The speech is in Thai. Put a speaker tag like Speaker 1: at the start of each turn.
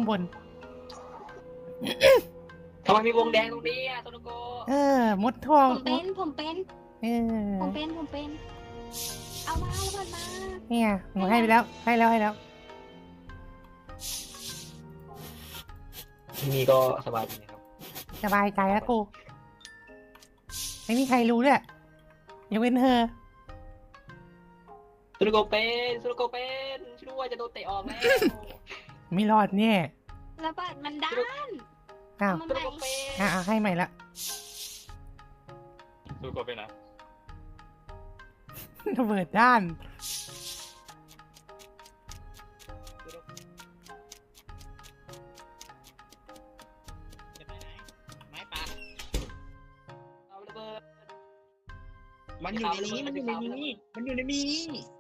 Speaker 1: บน
Speaker 2: ทำไมมีวงแดงตรงนี้อะโซโลโก
Speaker 1: มดทอง
Speaker 3: ผมเป็น
Speaker 1: เออ
Speaker 3: ผมเป็นเอามาแล้วมันมา
Speaker 1: เนี่ยหนูให้ไปแล้วให้แล้ว
Speaker 2: ที่นี่ก็สบายดีนะครับ
Speaker 1: สบายใจแล้วกูไม่มีใครรู้ด้วยยกเว้นเธอ
Speaker 2: โซโลโกเป็นช่วยจะโดนเตะออกแล้ว
Speaker 1: ไม่รอดเนี่ย
Speaker 3: แล้วบัตรมันด้าน
Speaker 1: อ้าว
Speaker 3: มัน
Speaker 2: โซโล
Speaker 3: ไหน
Speaker 2: โกเป็น
Speaker 1: ให้ใหม่ละ
Speaker 4: ดูกดไปนะ
Speaker 1: ระเบิดด้าน
Speaker 5: จะไปไหนไม้ป่า
Speaker 2: เอาระเบิด
Speaker 5: มันอยู่ในนี้